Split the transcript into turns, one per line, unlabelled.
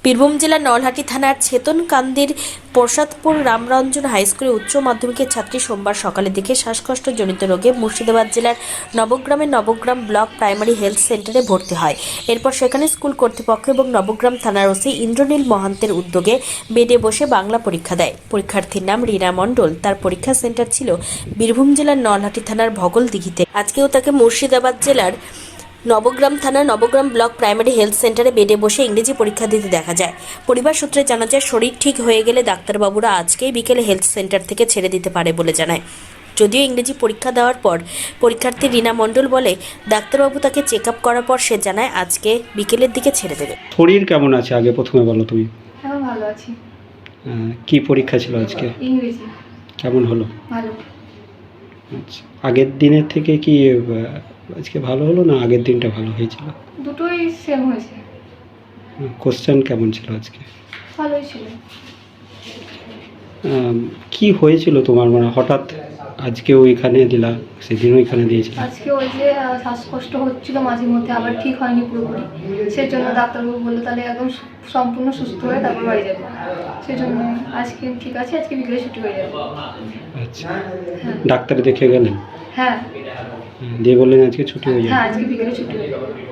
বীরভূম জেলার নলহাটি থানার ছেতনকান্দির প্রসাদপুর রামরঞ্জন হাইস্কুলে উচ্চ মাধ্যমিকের ছাত্রী সোমবার সকালের দিকে শ্বাসকষ্টজনিত রোগে মুর্শিদাবাদ জেলার নবগ্রামের নবগ্রাম ব্লক প্রাইমারি হেলথ সেন্টারে ভর্তি হয়। এরপর সেখানে স্কুল কর্তৃপক্ষ এবং নবগ্রাম থানার ওসি ইন্দ্রনীল মহান্তের উদ্যোগে বেডে বসে বাংলা পরীক্ষা দেয়। পরীক্ষার্থীর নাম রীনা মণ্ডল। তার পরীক্ষা সেন্টার ছিল বীরভূম জেলার নলহাটি থানার ভগলদিঘিতে। আজকেও তাকে মুর্শিদাবাদ জেলার নবগ্রাম থানার নবগ্রাম ব্লক প্রাইমারি হেলথ সেন্টারে বেডে বসে ইংরেজি পরীক্ষা দিতে দেখা যায়। পরিবার সূত্রে জানা যায়, শরীর ঠিক হয়ে গেলে ডাক্তারবাবুরা আজকেই বিকেলে হেলথ সেন্টার থেকে ছেড়ে দিতে পারে বলে জানায়। যদিও ইংরেজি পরীক্ষা দেওয়ার পর পরীক্ষার্থী রীনা মণ্ডল বলে, ডাক্তারবাবু তাকে চেক আপ করার পর সে জানায় আজকে বিকেলের দিকে ছেড়ে দেবে।
শরীর কেমন আছে আগে প্রথমে বলো তুমি।
এখন ভালো আছি।
কি পরীক্ষা ছিল আজকে?
ইংরেজি।
কেমন হলো?
ভালো।
আচ্ছা, আগের দিনের থেকে কি আজকে ভালো হলো না আগের দিনটা ভালো হয়েছিল?
দুটোই সেম হয়েছে।
কোশ্চেন কেমন ছিল আজকে?
ভালোই ছিল।
কি হয়েছিল তোমার, মানে হঠাৎ আজকেও এখানে দিলা, সেদিনও এখানে দিয়েছিল?
আজকে ওই যে শ্বাসকষ্ট হচ্ছিল মাঝে মধ্যে, আবার ঠিক হয়নি পুরোপুরি। সেই জন্য ডাক্তারবাবু বললো তাহলে একদম সম্পূর্ণ সুস্থ হয়ে তারপর বাড়ি যাবে। সেই জন্য আজকে ঠিক আছে, আজকে বিকেলে ছুটি হয়ে যাবে।
আচ্ছা,
হ্যাঁ।
ডাক্তার দেখে গেলেন?
হ্যাঁ
দিয়ে বললেন আজকে ছুটি হয়ে যাবে?
হ্যাঁ, আজকে বিকেলে ছুটি হয়ে যাবে।